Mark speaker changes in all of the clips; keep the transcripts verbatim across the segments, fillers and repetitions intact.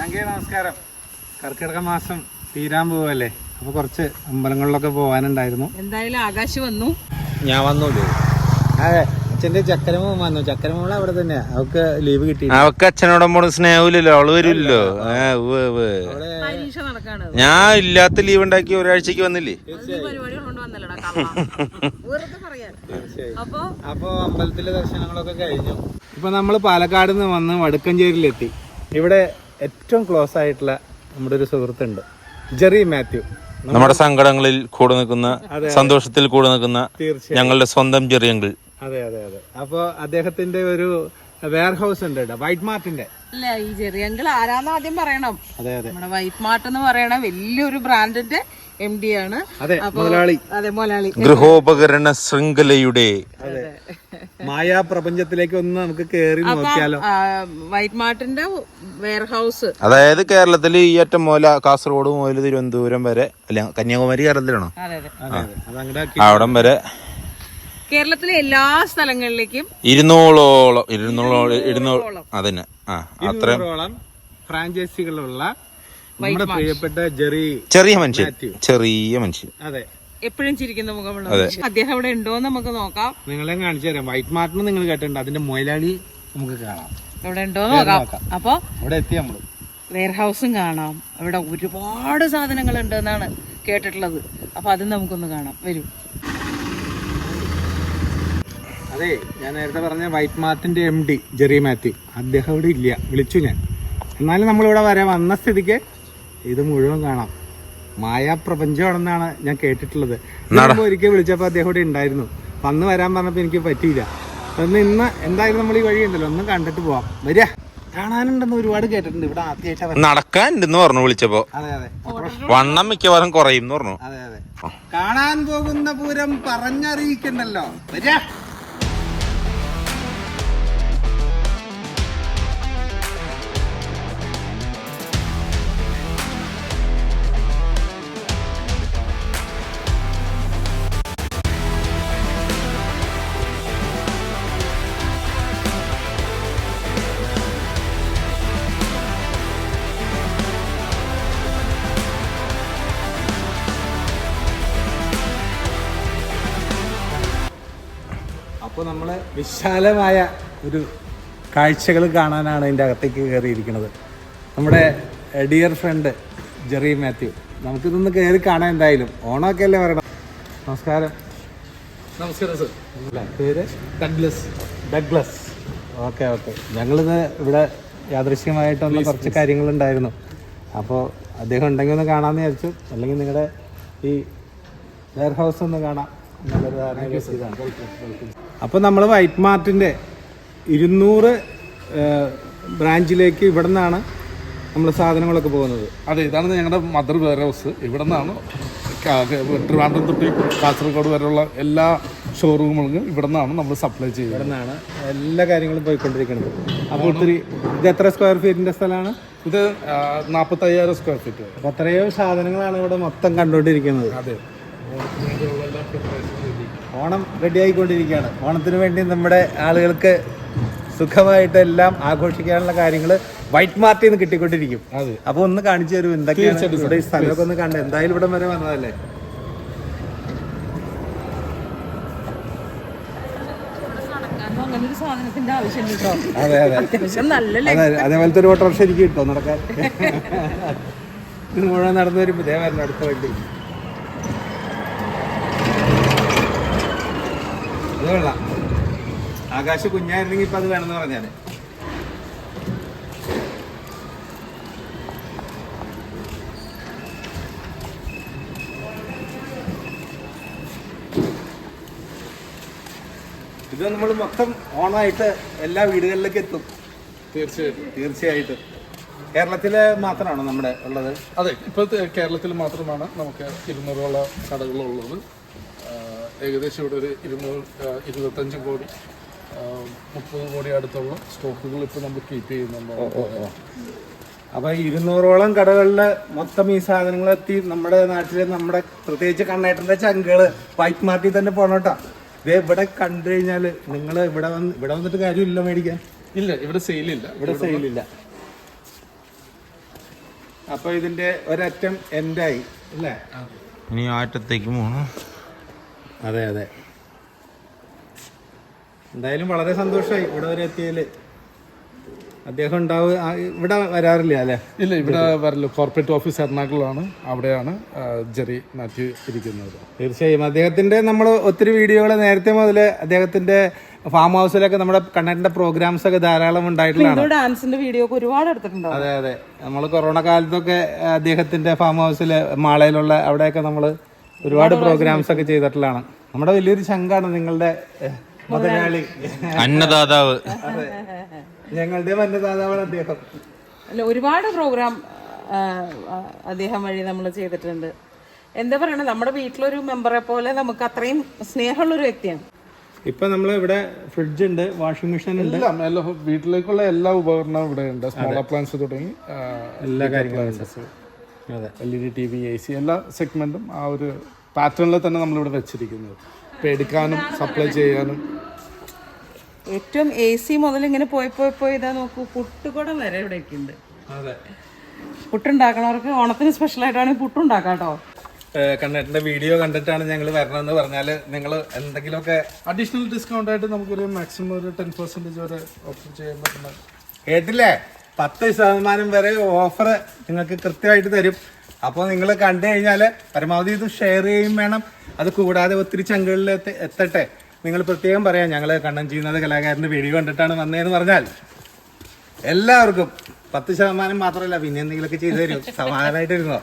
Speaker 1: നമസ്കാരം. കർക്കിടക മാസം തീരാൻ പോവല്ലേ, അപ്പൊ കുറച്ച് അമ്പലങ്ങളിലൊക്കെ പോവാനുണ്ടായിരുന്നു.
Speaker 2: എന്തായാലും ആകാശ് വന്നു,
Speaker 1: ഞാൻ വന്നൂല്ലേ. അതെ, അച്ഛന്റെ ചക്കരമോൻ വന്നു. ചക്കരമോള് അവിടെ തന്നെയാ, അവക്ക് ലീവ് കിട്ടി.
Speaker 3: അവക്ക് അച്ഛനോടൊപ്പം സ്നേഹമില്ലല്ലോ, അവള് വരില്ലല്ലോ.
Speaker 2: പരീക്ഷ നടക്കാണ്.
Speaker 3: ഞാൻ ഇല്ലാത്ത ലീവ് ഉണ്ടാക്കി ഒരാഴ്ചക്ക് വന്നില്ലേ.
Speaker 1: അപ്പൊ അമ്പലത്തിലെ ദർശനങ്ങളൊക്കെ കഴിഞ്ഞു. ഇപ്പൊ നമ്മള് പാലക്കാട് നിന്ന് വന്ന് വടക്കഞ്ചേരിയിലെത്തി. ഇവിടെ ഏറ്റവും ക്ലോസ് ആയിട്ടുള്ള നമ്മുടെ ഒരു സുഹൃത്തുണ്ട്, ജെറി മാത്യു.
Speaker 3: നമ്മുടെ സങ്കടങ്ങളിൽ കൂടെ നിൽക്കുന്ന, സന്തോഷത്തിൽ കൂടെ നിൽക്കുന്ന ഞങ്ങളുടെ സ്വന്തം ജെറി അങ്കിൾ.
Speaker 1: അതെ അതെ അതെ. അപ്പൊ അദ്ദേഹത്തിന്റെ ഒരു വെയർ ഹൗസ് ഉണ്ട് കേട്ടോ, വൈറ്റ് മാർട്ടിന്റെ.
Speaker 2: അല്ല, ഈ ജെറി അങ്കിൾ ആരാന്ന് ആദ്യം പറയണം.
Speaker 1: അതെ അതെ,
Speaker 2: നമ്മുടെ വൈറ്റ് മാർട്ട് എന്ന് പറയണ വലിയൊരു ബ്രാൻഡിന്റെ എം ഡി ആണ്.
Speaker 1: അതെ, മുതലാളി.
Speaker 2: അതെ, മുതലാളി.
Speaker 3: ഗൃഹോപകരണ ശൃംഖലയുടെ
Speaker 1: മായാ പ്രപഞ്ചത്തിലേക്ക് ഒന്ന് നമുക്ക് കേറി നോക്കിയാലോ.
Speaker 2: വൈറ്റ് മാർട്ടിന്റെ വെയർ ഹൗസ്,
Speaker 3: അതായത് കേരളത്തിൽ ഈ അറ്റം മുതല കാസർഗോഡ് മുതൽ തിരുവനന്തപുരം വരെ, അല്ല കന്യാകുമാരി കേരളത്തിലാണോ, അവിടം വരെ
Speaker 2: കേരളത്തിലെ എല്ലാ സ്ഥലങ്ങളിലേക്കും
Speaker 3: ഇരുന്നൂറോളം ഇരുന്നൂറോളം ഇരുന്നൂറ് അതന്നെ ആ അത്രയും
Speaker 1: ഫ്രാഞ്ചൈസികളുള്ള നമ്മുടെ പ്രിയപ്പെട്ട ജെറി.
Speaker 3: ചെറിയ മനുഷ്യൻ, ചെറിയ മനുഷ്യൻ.
Speaker 1: അതെ,
Speaker 2: എപ്പോഴും ചിരിക്കുന്ന മുഖമുള്ള അദ്ദേഹം ഇവിടെ ഉണ്ടോന്ന് നമുക്ക് നോക്കാം.
Speaker 1: നിങ്ങളെ കാണിച്ചു തരാം. വൈറ്റ് മാർട്ടിന് നിങ്ങൾ കേട്ടിട്ടുണ്ട്, അതിന്റെ മുതലാളി നമുക്ക് കാണാം.
Speaker 2: ഇവിടെ ഉണ്ടോന്ന് നോക്കാം. അപ്പൊ
Speaker 1: അവിടെ എത്തി നമ്മള്.
Speaker 2: വെയർ ഹൗസും കാണാം. ഇവിടെ ഒരുപാട് സാധനങ്ങൾ ഉണ്ട് എന്നാണ് കേട്ടിട്ടുള്ളത്. അപ്പൊ അത് നമുക്കൊന്ന് കാണാം. വരൂ.
Speaker 1: അതെ, ഞാൻ നേരത്തെ പറഞ്ഞ വൈറ്റ് മാർട്ടിന്റെ എം ഡി ജെറി മാത്യു, അദ്ദേഹം ഇവിടെ ഇല്ല, വിളിച്ചു ഞാൻ. എന്നാലും നമ്മളിവിടെ വരാൻ വന്ന സ്ഥിതിക്ക് ഇത് മുഴുവൻ കാണാം. മായാപ്രപഞ്ചമാണെന്നാണ് ഞാൻ കേട്ടിട്ടുള്ളത്. ഒരിക്കൽ വിളിച്ചപ്പോൾ അദ്ദേഹം ഇവിടെ ഉണ്ടായിരുന്നു. അന്ന് വരാൻ പറഞ്ഞപ്പോൾ എനിക്ക് പറ്റിയില്ല. ഒന്ന് ഇന്ന് എന്തായാലും നമ്മൾ ഈ വഴിയുണ്ടല്ലോ, ഒന്ന് കണ്ടിട്ട് പോവാം. വരിക, കാണാനുണ്ടെന്ന് ഒരുപാട് കേട്ടിട്ടുണ്ട്. ഇവിടെ ആദ്യമായിട്ട്
Speaker 3: നടക്കാനുണ്ടെന്ന് പറഞ്ഞു വിളിച്ചപ്പോ.
Speaker 1: അതെ അതെ,
Speaker 3: വണ്ണം മിക്കവാറും കുറയും പറഞ്ഞു.
Speaker 1: അതെ അതെ, കാണാൻ പോകുന്ന പൂരം പറഞ്ഞറിയിക്കണ്ടല്ലോ. വരിക. അപ്പോൾ നമ്മൾ വിശാലമായ ഒരു കാഴ്ചകൾ കാണാനാണ് ഇതിൻ്റെ അകത്തേക്ക് കയറിയിരിക്കുന്നത്. നമ്മുടെ ഡിയർ ഫ്രണ്ട് ജെറി മാത്യു, നമുക്കിതൊന്ന് കയറി കാണാൻ. എന്തായാലും ഓണമൊക്കെ അല്ലേ പറയണം. നമസ്കാരം.
Speaker 4: നമസ്കാരം സർ.
Speaker 1: പേര്
Speaker 4: ഡഗ്ലസ്.
Speaker 1: ഡഗ്ലസ്. Okay okay. ഞങ്ങളിത് ഇവിടെ യാദൃശ്യമായിട്ടൊന്ന് കുറച്ച് കാര്യങ്ങളുണ്ടായിരുന്നു. അപ്പോൾ അദ്ദേഹം ഉണ്ടെങ്കിൽ ഒന്ന് കാണാമെന്ന് വിചാരിച്ചു. അല്ലെങ്കിൽ നിങ്ങളുടെ ഈ വെയർ ഹൗസ് ഒന്ന് കാണാം എന്നുള്ളൊരു ധാരണ. അപ്പോൾ നമ്മൾ വൈറ്റ് മാർട്ടിൻ്റെ ഇരുന്നൂറ് ബ്രാഞ്ചിലേക്ക് ഇവിടെ നിന്നാണ് നമ്മൾ സാധനങ്ങളൊക്കെ പോകുന്നത്.
Speaker 4: അതെ, ഇതാണ് ഞങ്ങളുടെ മദർ വെയർ ഹൗസ്. ഇവിടെ നിന്നാണ് ട്രിവാൻഡ്രം തൊട്ട് കാസർഗോഡ് വരെയുള്ള എല്ലാ ഷോറൂമുകളും ഇവിടെ നിന്നാണ് നമ്മൾ സപ്ലൈ ചെയ്യുന്നത്.
Speaker 1: ഇവിടെ നിന്നാണ് എല്ലാ കാര്യങ്ങളും പോയിക്കൊണ്ടിരിക്കുന്നത്. അപ്പോൾ ഒത്തിരി ഇത് എത്ര സ്ക്വയർ ഫീറ്റിൻ്റെ സ്ഥലമാണ്?
Speaker 4: ഇത് നാൽപ്പത്തയ്യായിരം സ്ക്വയർ ഫീറ്റ്.
Speaker 1: അപ്പോൾ അത്രയോ സാധനങ്ങളാണ് ഇവിടെ മൊത്തം കണ്ടുകൊണ്ടിരിക്കുന്നത്.
Speaker 4: അതെ,
Speaker 1: ഓണം റെഡി ആയിക്കൊണ്ടിരിക്കുകയാണ്. ഓണത്തിന് വേണ്ടി നമ്മുടെ ആളുകൾക്ക് സുഖമായിട്ട് എല്ലാം ആഘോഷിക്കാനുള്ള കാര്യങ്ങൾ വൈറ്റ് മാർട്ടിൽ നിന്ന് കിട്ടിക്കൊണ്ടിരിക്കും.
Speaker 4: അതെ,
Speaker 1: അപ്പോൾ ഒന്ന് കാണിച്ചു തരും എന്തൊക്കെയാണ് ഇവിടെ. ഈ സ്ഥലമൊക്കെ ഒന്ന് കണ്ട്, എന്തായാലും ഇവിടെ വരെ വന്നതല്ലേ. അതെ അതെ, അതേപോലത്തെ ഒരു ഓട്ടോറിക്ഷ എനിക്ക് കിട്ടോ നടക്കാൻ. ഇത് മുഴുവൻ നടന്നു വരുമ്പോൾ ഇതേ വരണം അടുത്ത വണ്ടി. അത് കൊള്ളാം. ആകാശ് കുഞ്ഞായിരുന്നെങ്കിൽ ഇപ്പം അത് വേണമെന്ന് പറഞ്ഞാൽ. ഇത് നമ്മൾ മൊത്തം ഓണമായിട്ട് എല്ലാ വീടുകളിലേക്ക് എത്തും.
Speaker 4: തീർച്ചയായിട്ടും
Speaker 1: തീർച്ചയായിട്ടും. കേരളത്തില് മാത്രമാണോ നമ്മുടെ ഉള്ളത്?
Speaker 4: അതെ, ഇപ്പോഴത്തെ കേരളത്തിൽ മാത്രമാണ് നമുക്ക് ഇരുന്നൂറോളം കടകളുള്ളത്. ഏകദേശം ഇവിടെ ഒരു ഇരുന്നൂറ് ഇരുപത്തഞ്ച് കോടി മുപ്പത് കോടി അടുത്തുള്ള സ്റ്റോക്കുകൾ ഇപ്പോൾ നമ്മൾ കീപ്പ് ചെയ്യുന്നുണ്ട്.
Speaker 1: അപ്പോൾ ഇരുന്നൂറോളം കടകളിൽ മൊത്തം ഈ സാധനങ്ങൾ എത്തി. നമ്മുടെ നാട്ടിൽ നമ്മുടെ പ്രത്യേകിച്ച് കണ്ണേട്ടൻ്റെ ചങ്കുകൾ വൈറ്റ് മാർട്ടിൽ തന്നെ പോകണം കേട്ടോ. ഇതേ ഇവിടെ കണ്ടു കഴിഞ്ഞാൽ നിങ്ങൾ ഇവിടെ വന്ന് ഇവിടെ വന്നിട്ട് കാര്യമില്ല മേടിക്കാൻ.
Speaker 4: ഇല്ല, ഇവിടെ സെയിലില്ല.
Speaker 1: ഇവിടെ സെയിലില്ല. അപ്പൊ ഇതിന്റെ ഒരറ്റം എൻഡായി അല്ലേ?
Speaker 3: ഇനി ആ അറ്റത്തേക്ക് പോകണം.
Speaker 1: അതെ അതെ. എന്തായാലും വളരെ സന്തോഷമായി ഇവിടെ വരെ എത്തിയതിൽ. അദ്ദേഹം ഉണ്ടാവുക ഇവിടെ വരാറില്ല അല്ലേ?
Speaker 4: ഇല്ല, ഇവിടെ വരല്ലോ. കോർപ്പറേറ്റ് ഓഫീസ് എറണാകുളമാണ്, അവിടെയാണ് ആ, ജെറി മാത്യു ഇരിക്കുന്നത്.
Speaker 1: തീർച്ചയായും അദ്ദേഹത്തിന്റെ നമ്മൾ ഒത്തിരി വീഡിയോകൾ നേരത്തെ മുതൽ അദ്ദേഹത്തിന്റെ ഫാം ഹൗസിലൊക്കെ നമ്മുടെ കണ്ണന്റെ പ്രോഗ്രാംസ് ഒക്കെ ധാരാളം ഉണ്ടായിട്ടുള്ളതാണ്.
Speaker 2: ഡാൻസിന്റെ വീഡിയോ ഒക്കെ ഒരുപാട് എടുത്തിട്ടുണ്ടോ?
Speaker 1: അതെ അതെ. നമ്മൾ കൊറോണ കാലത്തൊക്കെ അദ്ദേഹത്തിന്റെ ഫാം ഹൗസില് മാളയിലുള്ള അവിടെയൊക്കെ നമ്മൾ ഒരുപാട് പ്രോഗ്രാംസ് ഒക്കെ ചെയ്തിട്ടുള്ളതാണ്. നമ്മുടെ വലിയൊരു ചങ്കാണ് നിങ്ങളുടെ ഏഹ്, മുതലാളി,
Speaker 3: അന്നദാതാവ്.
Speaker 1: അതെ, ഞങ്ങളുടെ അന്നദാതാവാണ് അദ്ദേഹം.
Speaker 2: അല്ല, ഒരുപാട് പ്രോഗ്രാം അദ്ദേഹം വഴി നമ്മൾ ചെയ്തിട്ടുണ്ട്. എന്താ പറയണ, നമ്മുടെ വീട്ടിലൊരു മെമ്പറെ പോലെ നമുക്ക് അത്രയും സ്നേഹമുള്ളൊരു വ്യക്തിയാണ്.
Speaker 1: ഇപ്പൊ നമ്മൾ ഇവിടെ ഫ്രിഡ്ജ് ഉണ്ട്, വാഷിംഗ് മെഷീൻ ഉണ്ട്,
Speaker 4: എല്ലാം എല്ലാ വീട്ടിലേക്കുള്ള എല്ലാ ഉപകരണവും ഇവിടെ ഉണ്ട്. സ്മോൾ അപ്ലയൻസ് തുടങ്ങി ആ,
Speaker 1: എല്ലാ കാര്യങ്ങളും. അതെ,
Speaker 4: L E D T V, A C, എല്ലാ സെഗ്മെന്റും ആ ഒരു പാറ്റേണിൽ തന്നെ നമ്മളിവിടെ വെച്ചിരിക്കുന്നത്. ഇപ്പം എടുക്കാനും സപ്ലൈ ചെയ്യാനും.
Speaker 2: ഏറ്റവും എ സി മുതൽ ഇങ്ങനെ പോയി പോയി പോയി ഇതാ നോക്കൂ, പുട്ടുകുടം വരെ ഇവിടെയൊക്കെ ഉണ്ട്.
Speaker 1: അതെ.
Speaker 2: പുട്ടുണ്ടാക്കണവർക്ക് ഓണത്തിന് സ്പെഷ്യലായിട്ടാണ് പുട്ടുണ്ടാക്കാം കേട്ടോ.
Speaker 1: കണ്ണേട്ടന്റെ വീഡിയോ കണ്ടിട്ടാണ് ഞങ്ങൾ വരണമെന്ന് പറഞ്ഞാൽ നിങ്ങൾ എന്തെങ്കിലുമൊക്കെ
Speaker 4: അഡീഷണൽ ഡിസ്കൗണ്ട് ആയിട്ട് നമുക്കൊരു മാക്സിമം ഒരു ടെൻ പെർസെൻറ്റേജ് വരെ ഓഫർ ചെയ്യാൻ പറ്റുന്ന.
Speaker 1: കേട്ടില്ലേ? പത്ത് ശതമാനം വരെ ഓഫർ നിങ്ങൾക്ക് കൃത്യമായിട്ട് തരും. അപ്പോൾ നിങ്ങൾ കണ്ടു കഴിഞ്ഞാൽ പരമാവധി ഇത് ഷെയർ ചെയ്യും വേണം. അത് കൂടാതെ ഒത്തിരി ചങ്കുകളിൽ എത്തട്ടെ. നിങ്ങൾ പ്രത്യേകം പറയാം, ഞങ്ങൾ കണ്ണൻ ചെയ്യുന്നത് കലാകാരൻ്റെ വീഡിയോ കണ്ടിട്ടാണ് വന്നതെന്ന് പറഞ്ഞാൽ എല്ലാവർക്കും പത്ത് ശതമാനം മാത്രമല്ല, പിന്നെ എന്തെങ്കിലുമൊക്കെ ചെയ്തു തരും. സമാധാനമായിട്ടിരുന്നോ?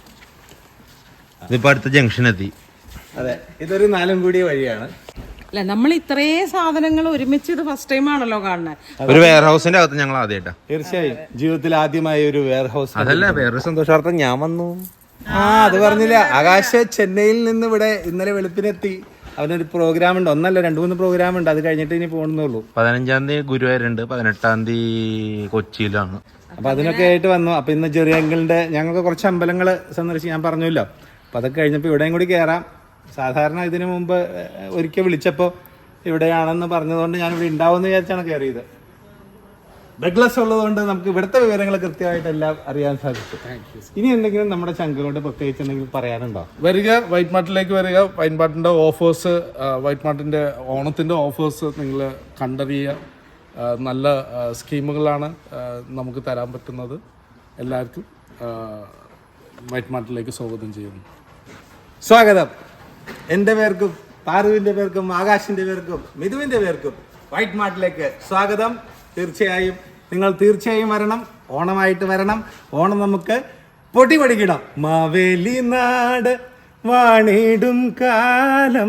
Speaker 3: ഇതിപ്പോ അടുത്ത ജംഗ്ഷൻ എത്തി.
Speaker 1: അതെ, ഇതൊരു നാലും കൂടിയ വഴിയാണ്.
Speaker 2: അല്ല, നമ്മൾ ഇത്രയും സാധനങ്ങൾ ഒരുമിച്ച് ഇത് ഫസ്റ്റ് ടൈം ആണല്ലോ കാണുന്നത്.
Speaker 3: ഒരു വെയർ ഹൗസിന്റെ അകത്ത് ഞങ്ങൾ ആദ്യമായിട്ടാ.
Speaker 1: തീർച്ചയായും ജീവിതത്തിൽ ആദ്യമായി ഒരു വെയർ ഹൗസ്.
Speaker 3: അതല്ല, വേറൊരു സന്തോഷാർത്ഥം ഞാൻ വന്നു.
Speaker 1: ആ, അത് പറഞ്ഞില്ല. ആകാശ് ചെന്നൈയിൽ നിന്ന് ഇവിടെ ഇന്നലെ വെളുപ്പിനെത്തി. അവനൊരു പ്രോഗ്രാം ഉണ്ട്, ഒന്നല്ല രണ്ട് മൂന്ന് പ്രോഗ്രാം ഉണ്ട്. അത് കഴിഞ്ഞിട്ട് ഇനി പോകുന്നുള്ളൂ.
Speaker 3: പതിനഞ്ചാം തീയതി ഗുരുവായൂരുണ്ട്, പതിനെട്ടാം തീയതി കൊച്ചിയിലാണ്.
Speaker 1: അപ്പൊ അതിനൊക്കെ ആയിട്ട് വന്നു. അപ്പൊ ഇന്ന് ചെറിയ അങ്കിളിന്റെ ഞങ്ങൾക്ക് കുറച്ച് അമ്പലങ്ങൾ സന്ദർശിച്ച് ഞാൻ പറഞ്ഞല്ലോ. അപ്പൊ അതൊക്കെ കഴിഞ്ഞപ്പോൾ ഇവിടെയും കൂടി കയറാം. സാധാരണ ഇതിനു മുമ്പ് ഒരിക്കൽ വിളിച്ചപ്പോൾ ഇവിടെയാണെന്ന് പറഞ്ഞതുകൊണ്ട് ഞാൻ ഇവിടെ ഉണ്ടാവുമെന്ന് വിചാരിച്ചാണ് കയറിയത്. ബെഗ്ലസ് ഉള്ളതുകൊണ്ട് നമുക്ക് ഇവിടുത്തെ വിവരങ്ങൾ കൃത്യമായിട്ട് എല്ലാം അറിയാൻ സാധിച്ചു. ഇനി എന്തെങ്കിലും നമ്മുടെ ചങ്ക് കൊണ്ട് പ്രത്യേകിച്ച് എന്തെങ്കിലും പറയാനുണ്ടോ?
Speaker 4: വരിക, വൈറ്റ് മാർട്ടിലേക്ക് വരിക. വൈറ്റ് മാർട്ടിൻ്റെ ഓഫേഴ്സ്, വൈറ്റ് മാർട്ടിൻ്റെ ഓണത്തിൻ്റെ ഓഫേഴ്സ് നിങ്ങൾ കണ്ടറിയുക. ആ, നല്ല ആ, സ്കീമുകളാണ് ആ, നമുക്ക് തരാൻ പറ്റുന്നത്. എല്ലാവർക്കും ആ, വൈറ്റ് മാർട്ടിലേക്ക് സ്വാഗതം ചെയ്യുന്നു.
Speaker 1: സ്വാഗതം. എൻ്റെ പേർക്കും പാറുവിൻ്റെ പേർക്കും ആകാശിൻ്റെ പേർക്കും മിഥുവിൻ്റെ പേർക്കും വൈറ്റ് മാർട്ടിലേക്ക് സ്വാഗതം. തീർച്ചയായും നിങ്ങൾ തീർച്ചയായും വരണം. ഓണമായിട്ട് വരണം. ഓണം നമുക്ക് പൊടി പഠിക്കണം. മാവേലി നാട് വാണിടും കാലം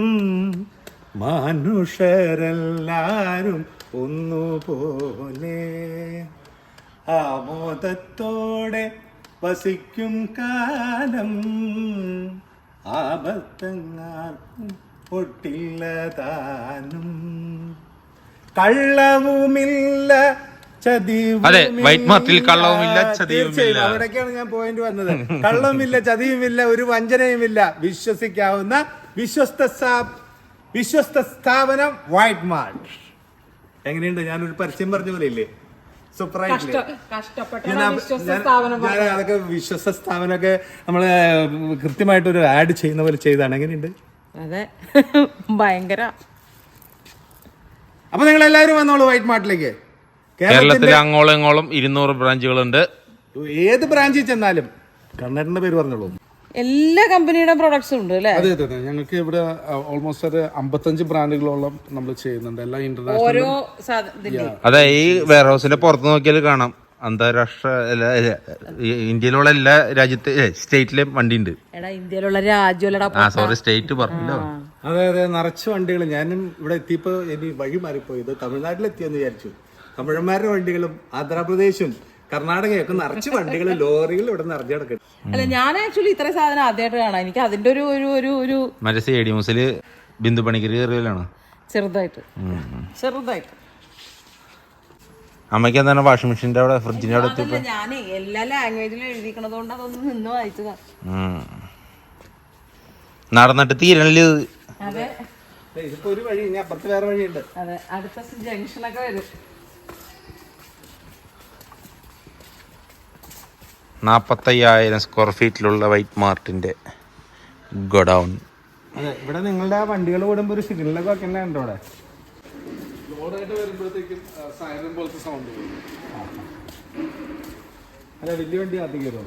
Speaker 1: മനുഷ്യരെല്ലാരും ഒന്നുപോലെ ആമോദത്തോടെ വസിക്കും കാലം ആപത്തങ്ങാർക്കും ഒട്ടില്ലതാനും കള്ളവുമില്ല
Speaker 3: അതെ, വൈറ്റ് മാർട്ടിൽ കള്ളവുമില്ല ചതിയുമില്ല.
Speaker 1: അവിടേക്കാണ് ഞാൻ പോയിന്റ് വന്നത്. കള്ളവുമില്ല, ചതിയുമില്ല, ഒരു വഞ്ചനയുമില്ല. വിശ്വസിക്കാവുന്ന വിശ്വസ്ത വിശ്വസ്ത സ്ഥാപനം വൈറ്റ് മാർട്ട്. എങ്ങനെയുണ്ട്? ഞാനൊരു പരസ്യം പറഞ്ഞ പോലെ ഇല്ലേ? സൂപ്പറായിട്ടില്ലേ? ഞാൻ അതൊക്കെ വിശ്വസ്ത സ്ഥാപനമൊക്കെ നമ്മള് കൃത്യമായിട്ടൊരു ആഡ് ചെയ്യുന്ന പോലെ ചെയ്താണ്. എങ്ങനെയുണ്ട്?
Speaker 2: അതെ, ഭയങ്കര.
Speaker 1: അപ്പൊ നിങ്ങൾ എല്ലാവരും വന്നോളൂ വൈറ്റ് മാർട്ടിലേക്ക്.
Speaker 3: കേരളത്തിൽ അങ്ങോളം ഇങ്ങോളം ഇരുന്നൂറ് ബ്രാഞ്ചുകളുണ്ട്.
Speaker 1: ഏത് ബ്രാഞ്ചിൽ ചെന്നാലും കണ്ണേട്ടന്റെ പേര് പറഞ്ഞോളൂ.
Speaker 2: എല്ലാ കമ്പനിയുടെ പ്രൊഡക്ട്സും ഉണ്ട് അല്ലേ?
Speaker 4: അതെ അതെ അതെ. ഞങ്ങൾക്ക് ഇവിടെ ഓൾമോസ്റ്റ് ഒരു അമ്പത്തഞ്ച് ബ്രാൻഡുകളോളം നമ്മൾ ചെയ്യുന്നുണ്ട്. എല്ലാ ഇന്റർനാഷണൽ.
Speaker 2: ഓരോ സാധനത്തിന്റെ.
Speaker 3: അതെ, ഈ വെയർ ഹൗസിന്റെ പുറത്ത് നോക്കിയാൽ കാണാം അന്താരാഷ്ട്ര ഇന്ത്യയിലുള്ള എല്ലാ രാജ്യത്തെ സ്റ്റേറ്റിലെയും വണ്ടി ഉണ്ട്.
Speaker 2: എടാ, ഇന്ത്യയിലുള്ള രാജ്യമല്ലടാ.
Speaker 3: ആ സോറി, സ്റ്റേറ്റ് പറഞ്ഞല്ലോ.
Speaker 1: അതെ അതെ, നിറച്ച് വണ്ടികൾ. ഞാനും ഇവിടെ എത്തിയപ്പോ ഇനി വഴി മാറിപ്പോയി. ഇത് തമിഴ്നാട്ടിലെത്തിയെന്ന് വിചാരിച്ചു. തമിഴന്മാരുടെ വണ്ടികളും ആന്ധ്രാപ്രദേശും കർണാടകയൊക്കെ നിറച്ച് വണ്ടികൾ, ലോറികൾ ഇവിടെ നിറഞ്ഞു കിടക്കും.
Speaker 2: അല്ല, ഞാൻ ആക്ച്വലി ഇത്രയും സാധനം ആദ്യമായിട്ട് കാണാം. എനിക്ക് അതിന്റെ ഒരു ഒരു ഒരു ഒരു
Speaker 3: മറ്റേ സ്റ്റേഡിയംസില് ബിന്ദു പണിക്കര് കയറിയലാണ്.
Speaker 2: ചെറുതായിട്ട് ചെറുതായിട്ട്
Speaker 3: അമ്മയ്ക്ക് എന്താണ് വാഷിംഗ് മെഷീന്റെ അവിടെ ഫ്രിഡ്ജിന്റെ അവിടെ എത്തിയപ്പോ
Speaker 2: ഞാൻ എല്ലാ ലാംഗ്വേജിലും എഴുതിക്കണത് കൊണ്ട് അതൊന്നും നിന്ന് വായിച്ചതാ.
Speaker 3: നടന്നിട്ട് തീരണില്ല.
Speaker 2: അതെ,
Speaker 1: ഇതിപ്പോ ഒരു വഴി, ഇനി അപ്പുറത്ത് വേറെ വഴിയുണ്ട്.
Speaker 2: അതെ, അടുത്ത ജംഗ്ഷനൊക്കെ വരും.
Speaker 3: നാൽപ്പത്തയ്യായിരം സ്ക്വയർ ഫീറ്റിലുള്ള വൈറ്റ് മാർട്ടിന്റെ ഗോഡൗൺ.
Speaker 1: അതെ, ഇവിടെ നിങ്ങളുടെ വണ്ടികൾ ഓടുമ്പോൾ ഒരു സിഗ്നലൊക്കെ വെക്കുന്നുണ്ടോ ഇവിടെ?
Speaker 4: ലോഡായിട്ട് വരുമ്പോഴത്തേക്കും സൈലന്റ് പോലത്തെ സൗണ്ട് വരും.
Speaker 1: അല്ല, വലിയ വണ്ടി ആദ്യം കയറുമോ?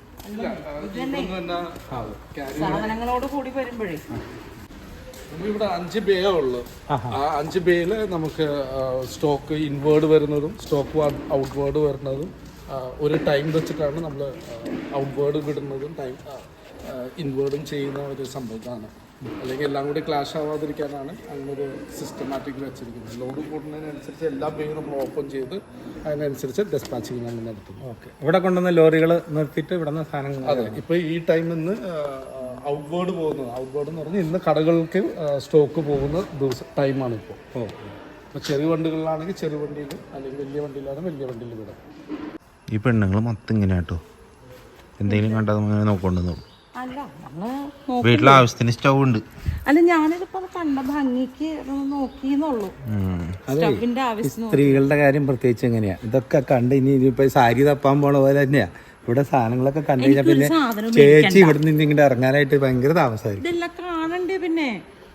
Speaker 2: സാധനങ്ങളോട് കൂടി വരുമ്പോഴേ
Speaker 4: നമുക്കിവിടെ അഞ്ച് ബേ ഉള്ളു. ആ അഞ്ച് ബേയില് നമുക്ക് സ്റ്റോക്ക് ഇൻവേർഡ് വരുന്നതും സ്റ്റോക്ക് ഔട്ട്വേർഡ് വരുന്നതും ഒരു ടൈം വെച്ചിട്ടാണ് നമ്മൾ ഔട്ട്വേർഡ് വിടുന്നതും ടൈം ഇൻവേർഡും ചെയ്യുന്ന ഒരു സംഭവമാണ്. അല്ലെങ്കിൽ എല്ലാം കൂടി ക്ലാഷ് ആവാതിരിക്കാനാണ് അങ്ങനൊരു സിസ്റ്റമാറ്റിക് വെച്ചിരിക്കുന്നത്. ലോഡ് കൂടുന്നതിനനുസരിച്ച് എല്ലാ ബേയും നമ്മൾ ഓപ്പൺ ചെയ്ത് അതിനനുസരിച്ച് ഡെസ്പാച്ചിങ് നമ്മൾ നടത്തുന്നു.
Speaker 1: ഓക്കെ, ഇവിടെ കൊണ്ടുവന്ന ലോറികൾ നിർത്തിയിട്ട് ഇവിടെ നിന്ന് സാധനങ്ങൾ.
Speaker 4: അതെ, ഇപ്പോൾ ഈ ടൈമിൽ നിന്ന് ഔട്ട്വേർഡ് പോകുന്നത് ഔട്ട്വേർഡ് എന്ന് പറഞ്ഞാൽ ഇന്ന് കടകൾക്ക് സ്റ്റോക്ക് പോകുന്ന ദിവസം ടൈമാണ് ഇപ്പോൾ. ഓ, ഇപ്പോൾ ചെറിയ വണ്ടികളിലാണെങ്കിൽ ചെറിയ വണ്ടിയിൽ, അല്ലെങ്കിൽ വലിയ വണ്ടിയിലാണെങ്കിൽ വലിയ വണ്ടിയിൽ വിടാം.
Speaker 3: ഈ പെണ്ണുങ്ങൾ മൊത്തം ഇങ്ങനെ കേട്ടോ, എന്തെങ്കിലും കണ്ടാൽ അങ്ങനെ നോക്കൊണ്ടെന്നു.
Speaker 2: അല്ല, നമ്മള്
Speaker 3: വീട്ടിലെ ആവശ്യത്തിന് സ്റ്റൗ ഉണ്ട്.
Speaker 2: അല്ല, ഞാനിതിപ്പോ കണ്ട ഭംഗിക്ക് നോക്കിന്നുള്ളൂ. സ്റ്റവിന്റെ ആവശ്യം.
Speaker 1: സ്ത്രീകളുടെ കാര്യം പ്രത്യേകിച്ച് എങ്ങനെയാ, ഇതൊക്കെ കണ്ട് ഇനി ഇനിയിപ്പോ സാരി തപ്പാൻ പോണ പോലെ തന്നെയാ ഇവിടെ സാധനങ്ങളൊക്കെ കണ്ടു കഴിഞ്ഞാൽ പിന്നെ ചേച്ചി ഇവിടെ നിന്ന് ഇങ്ങോട്ട് ഇറങ്ങാനായിട്ട് ഭയങ്കര താമസമായിരിക്കും.
Speaker 2: ഇതെല്ലാം കാണണ്ടേ, പിന്നെ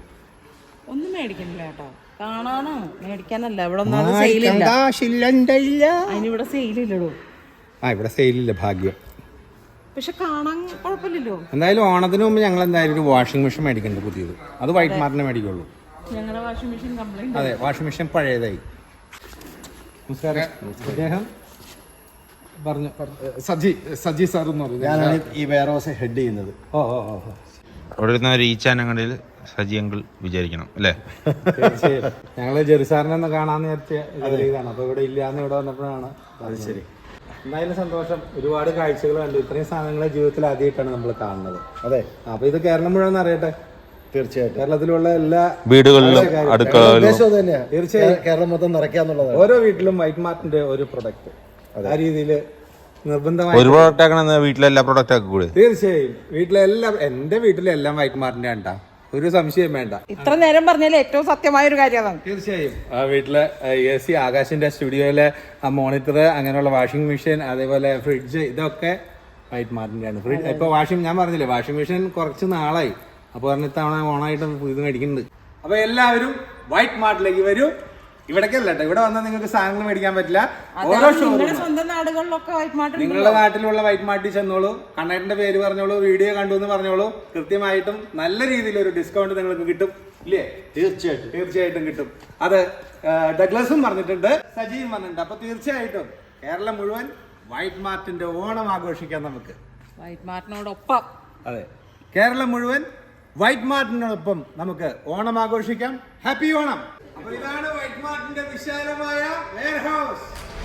Speaker 2: ഒന്നും മേടിക്കണില്ല കേട്ടോ. കാണാനോ മേടിക്കാനല്ല, ഇവിടെ ഒന്നും സെയിലില്ല. അതിനിവിടെ സെയിലില്ലടോ.
Speaker 1: ആ, ഇവിടെ സെയിലില്ല, ഭാഗ്യം.
Speaker 2: പക്ഷെ കാണാൻ കുഴപ്പമില്ലല്ലോ.
Speaker 1: എന്തായാലും ഓണത്തിന് മുമ്പ് ഞങ്ങൾ എന്തായാലും ഒരു വാഷിംഗ് മെഷീൻ മേടിക്കുന്നുണ്ട്, പുതിയത്. അത് വൈറ്റ് മാർട്ടിനെ മേടിക്കുള്ളൂ.
Speaker 2: ഞങ്ങളുടെ വാഷിംഗ് മെഷീൻ കംപ്ലൈന്റ്.
Speaker 1: അതെ, വാഷിംഗ് മെഷീൻ പഴയതായി. നമസ്കാരം. അദ്ദേഹം പറഞ്ഞു.
Speaker 4: സജി സജി സാർ എന്ന് പറയുന്നത്
Speaker 5: ഞാനാണ് ഈ വെയർ ഹൗസ് ഹെഡ് ചെയ്യുന്നത്.
Speaker 1: ഓ ഓ ഓ ഓ
Speaker 3: അവിടെ ഇരുന്ന ഒരു ഈ ചാനങ്ങളിൽ സജിയങ്ങൾ വിചാരിക്കണം അല്ലേ?
Speaker 1: തീർച്ചയായും. ഞങ്ങള് ജെറിസാറിനെ ഒന്ന് കാണാന്ന് വിചാരിച്ച ഇതാണ്. അപ്പൊ ഇവിടെ ഇല്ലാന്ന് ഇവിടെ വന്നപ്പോഴാണ്.
Speaker 5: അത് ശരി.
Speaker 1: എന്തായാലും സന്തോഷം. ഒരുപാട് കാഴ്ചകൾ കണ്ടു. ഇത്രയും സാധനങ്ങളെ ജീവിതത്തിൽ ആദ്യമായിട്ടാണ് നമ്മൾ കാണുന്നത്.
Speaker 5: അതെ,
Speaker 1: അപ്പൊ ഇത് കേരളം മുഴുവൻ അറിയട്ടെ.
Speaker 5: തീർച്ചയായിട്ടും
Speaker 1: കേരളത്തിലുള്ള എല്ലാ
Speaker 3: വീടുകളിലും അടുക്കളകളിലും
Speaker 5: ഉദ്ദേശം തന്നെയാണ്
Speaker 1: തീർച്ചയായും
Speaker 5: കേരളം മൊത്തം നിറയ്ക്കാന്നുള്ളത്.
Speaker 1: ഓരോ വീട്ടിലും വൈറ്റ് മാർട്ടിന്റെ ഒരു പ്രൊഡക്റ്റ് ആ രീതിയിൽ നിർബന്ധമായി.
Speaker 3: ഒരു പ്രോഡക്റ്റ് ആക്കണ വീട്ടിലെല്ലാ പ്രോഡക്റ്റ് ആക്കി കൂടെ?
Speaker 1: തീർച്ചയായും. വീട്ടിലെല്ലാം, എന്റെ വീട്ടിലെല്ലാം വൈറ്റ് മാർട്ടിന്റെ ഉണ്ടാ, ഒരു സംശയം വേണ്ട.
Speaker 2: ഇത്ര നേരം പറഞ്ഞാൽ ഏറ്റവും സത്യമായ ഒരു കാര്യമാണ്.
Speaker 1: തീർച്ചയായും. ആ വീട്ടിലെ എ സി, ആകാശിന്റെ സ്റ്റുഡിയോയിലെ ആ മോണിറ്റർ, അങ്ങനെയുള്ള വാഷിംഗ് മെഷീൻ, അതേപോലെ ഫ്രിഡ്ജ്, ഇതൊക്കെ വൈറ്റ് മാർട്ടിന്റെ ആണ്. ഫ്രിഡ്ജ് ഇപ്പൊ വാഷിംഗ്, ഞാൻ പറഞ്ഞില്ലേ വാഷിംഗ് മെഷീൻ കുറച്ച് നാളായി. അപ്പൊ പറഞ്ഞ തവണ ഓണായിട്ട് ഇത് മേടിക്കുന്നുണ്ട്. അപ്പൊ എല്ലാവരും വൈറ്റ് മാർട്ടിലേക്ക് വരൂ. ഇവിടേക്കല്ല കേട്ടോ, ഇവിടെ വന്നാൽ നിങ്ങൾക്ക് സാധനങ്ങൾ മേടിക്കാൻ പറ്റില്ല. ഓരോ ഷോറൂം
Speaker 2: സ്വന്തം നാടുകളിലൊക്കെ വൈറ്റ് മാർട്ട്,
Speaker 1: നിങ്ങളുടെ നാട്ടിലുള്ള വൈറ്റ് മാർട്ടിൽ ചെന്നോളൂ, കണ്ണേട്ടന്റെ പേര് പറഞ്ഞോളൂ, വീഡിയോ കണ്ടു എന്ന് പറഞ്ഞോളൂ. കൃത്യമായിട്ടും നല്ല രീതിയിൽ ഒരു ഡിസ്കൗണ്ട് നിങ്ങൾക്ക് കിട്ടും, ഇല്ലേ?
Speaker 5: തീർച്ചയായിട്ടും
Speaker 1: തീർച്ചയായിട്ടും കിട്ടും. അത് ഡഗ്ലസും പറഞ്ഞിട്ടുണ്ട്, സജിയും പറഞ്ഞിട്ടുണ്ട്. അപ്പൊ തീർച്ചയായിട്ടും കേരളം മുഴുവൻ വൈറ്റ് മാർട്ടിന്റെ ഓണം ആഘോഷിക്കാം നമുക്ക്.
Speaker 2: വൈറ്റ് മാർട്ടിനോടൊപ്പം.
Speaker 1: അതെ, കേരളം മുഴുവൻ വൈറ്റ് മാർട്ടിനോടൊപ്പം നമുക്ക് ഓണം ആഘോഷിക്കാം. ഹാപ്പി ഓണം. അപ്പൊ ഇതാണ് വൈറ്റ് മാർട്ടിന്റെ വിശാലമായ വെയർഹൗസ്.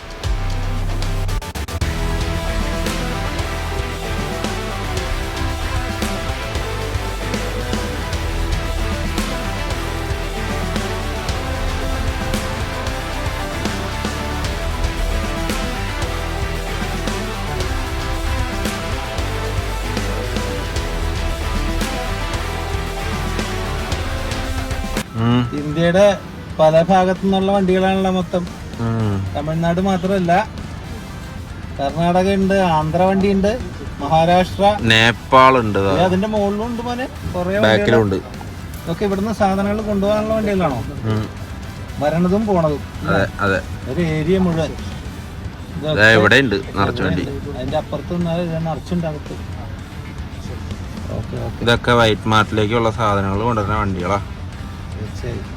Speaker 1: ഇന്ത്യയുടെ പല ഭാഗത്തു നിന്നുള്ള വണ്ടികളാണല്ലോ മൊത്തം. തമിഴ്നാട് മാത്രമല്ല, കർണാടക ഉണ്ട്, ആന്ധ്ര വണ്ടി ഉണ്ട്, മഹാരാഷ്ട്ര,
Speaker 3: നേപ്പാൾ ഉണ്ട്,
Speaker 1: അതിന്റെ മുകളിലും ഉണ്ട് മോനെ, കുറെ
Speaker 3: ബാക്കിലുണ്ട്.
Speaker 1: ഇതൊക്കെ ഇവിടുന്ന് സാധനങ്ങൾ കൊണ്ടുപോകാനുള്ള വണ്ടികളാണോ വരണതും പോണതും?
Speaker 3: അതെ അതെ,
Speaker 1: ഒരു ഏരിയ മുഴുവൻ
Speaker 3: ഇവിടെ ഉണ്ട് നിറച്ചു വണ്ടി.
Speaker 1: അതിന്റെ അപ്പുറത്ത് നിറച്ചുണ്ട് അകത്ത്. ഓക്കെ ഓക്കെ,
Speaker 3: ഇതൊക്കെ വൈറ്റ് മാർട്ടിലേക്കുള്ള സാധനങ്ങൾ കൊണ്ടുവരുന്ന വണ്ടികളാ.
Speaker 1: തീർച്ചയായും.